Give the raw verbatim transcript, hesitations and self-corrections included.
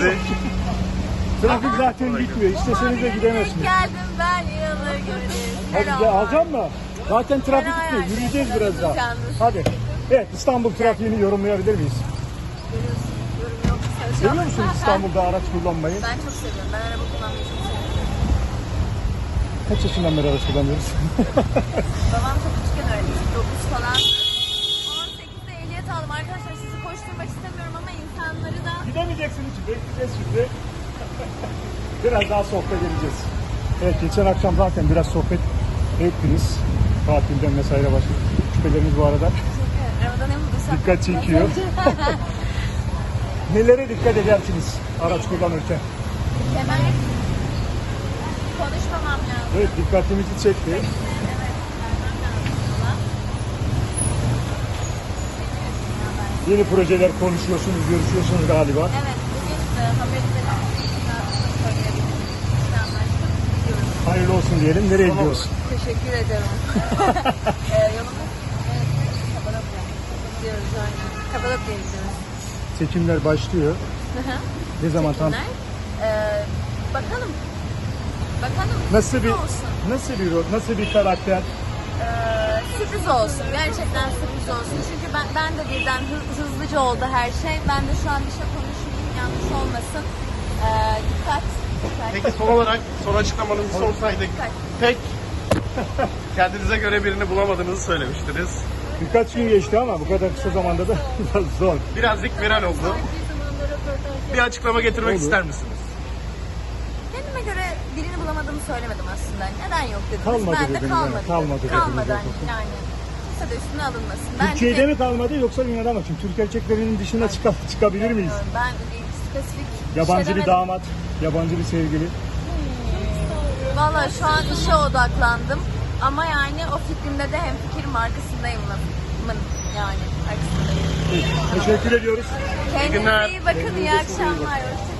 sizi. Trafik zaten bitmiyor. İsteseniz de gidemezsiniz. Geldim ben yılı göreceğiz. Hadi gel, alacağım mı? Zaten trafik Fena bitmiyor. yani. Yürüyeceğiz biraz daha. Yalnız. Hadi. Evet, İstanbul trafiğini yorumlayabilir miyiz? Görüyorsun, yorum yok. Seviyor musunuz İstanbul'da araç kullanmayı? Ben çok seviyorum. Ben araba kullanmayı çok seviyorum. Kaç yaşından beri araç kullanıyoruz? Babam çok küçükken öğretmiş. dokuz falan. on sekizde ehliyet aldım. Arkadaşlar sizi koşturmak istemiyorum ama insanları da... Gidemeyeceksiniz için bekleyeceğiz şimdi. Biraz daha sohbet edeceğiz. Evet, geçen akşam zaten biraz sohbet ettiniz. Tatilden vesaire başladık. Şüpheleriniz bu arada Arabada ne bulduysam... dikkat çekiyor. Nelere dikkat edersiniz araç kullanırken? Hemen konuşmamam lazım. Evet, dikkatimizi çekti. Evet, vermem lazım falan. Yeni projeler konuşuyorsunuz, görüşüyorsunuz galiba. Evet, bugün de haberinde söyleyebilirim. İşte anlaştık, gidiyoruz. Hayırlı olsun diyelim. Nereye gidiyoruz? Teşekkür ederim. ee, yolumuz evet, Kapadokya. Gidiyoruz aynen. Kapadokya'ya gidiyoruz. Çekimler başlıyor. Hı hı. Ne zaman tam? Çekimler. Ee, bakalım. Bakalım. Nasıl bir olsun. nasıl bir rol, nasıl bir karakter? Ee, sürpriz olsun. Gerçekten sürpriz olsun. Çünkü ben, ben de birden hı- hızlıca oldu her şey. Ben de şu an bir şey konuşmayayım. Yanlış olmasın. Ee, dikkat. dikkat. Peki son olarak son açıklamanızı sorsaydık. Dikkat. Pek kendinize göre birini bulamadığınızı söylemiştiniz. Birkaç gün geçti ama bu kadar kısa zamanda da biraz zor. Birazcık viral oldu. Bir açıklama getirmek Olur. ister misiniz? Kendime göre birini bulamadığımı söylemedim aslında. Neden yok dediniz. Kalmadı ben de dediniz, kalmadı. evet. Kalmadı dediniz Kalmadı hani zaten. yani. Kimse de üstüne alınmasın. Ben Türkiye'de de- mi kalmadı yoksa dünyada mı? Çünkü Türk erkeklerinin dışına çıka- çıkabilir miyiz? Ben bir spesifik Yabancı şey bir demedim. damat, yabancı bir sevgili. Valla şu an işe odaklandım. Ama yani o fikrimde de hem fikrim arkasındayım mı? Mın yani arkasındayım. Teşekkür ediyoruz. Kendinize günler. iyi bakın. İyi akşamlar. Hoşçakalın.